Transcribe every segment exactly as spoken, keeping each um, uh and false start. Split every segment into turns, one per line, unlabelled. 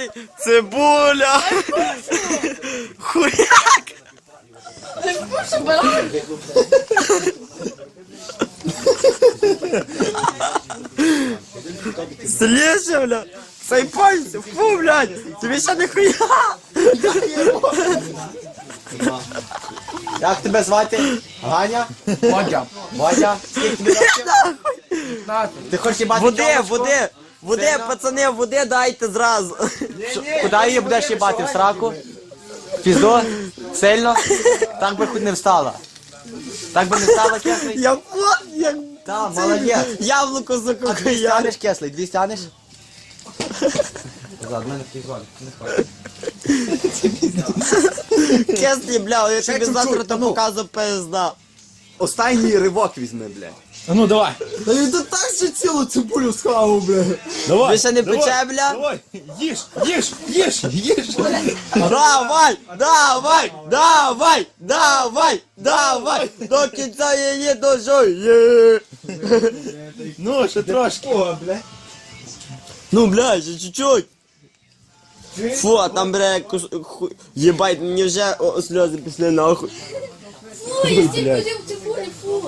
кислий, цибуля. Хуяк.
Ти вкушу, баран?
Слежи, бля. Цей пальці, фу, блядь. Тобі ще не хуя.
Як тебе звати? Ганя?
Водя.
Водя? Скільки тобі років? Ти хочеш їбати
Води,
тьомочку?
води. Води,
Сильно?
пацани, води дайте зразу.
Куди її будеш їбати? В сраку? В пізду? Сильно? Так би хоч не встала. Так би не встала, кислий?
Я вот, як...
Так, молодець.
Яблуко
А дві
закокаяли.
стянеш, кислий? Дві стянеш? Зад, мене призвали.
Кислі, бля, я
Ще
тобі
чуть-чуть,
завтра то
ну.
показу пизда.
Останній ривок візьми, блядь. А ну давай.
Та він тут так ще цілу цибулю схавав, бля.
Давай.
Ви ще не пече, бля?
Давай. Їж, їж, їж, їж.
Давай, давай, давай, давай, давай, до кінця її дожує.
Ну, ще трошки. О, бля.
Ну, бля, ще чуть-чуть. Фу, а там, бля, кус... ху... Єбать, мені вже о, сльози пішли нахуй.
Фу, я стільки ходив в цибулі, фу.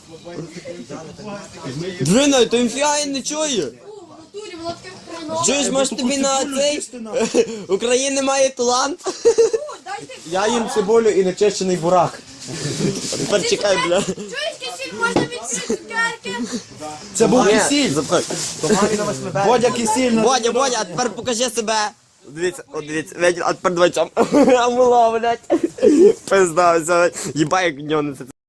Двина, то інфіа не чує.
Фу, в натурі, воно таке хренове.
Чуєш, може тобі на цей? України має талант?
Фу, дайте.
Я їм цибулю і нечищений бурак.
Тепер чекай, бля.
Чуєш, кисіль, можна відкрити цукерки?
Це був
Ні,
кисіль.
запхай.
Водя кисіль. на-
Бодя, Бодя, а тепер покажи себе. Дивіться, от дивіться, видів, а тепер давай цьому. А мила, блядь. Пизда, все. Єбай, як в нього не це.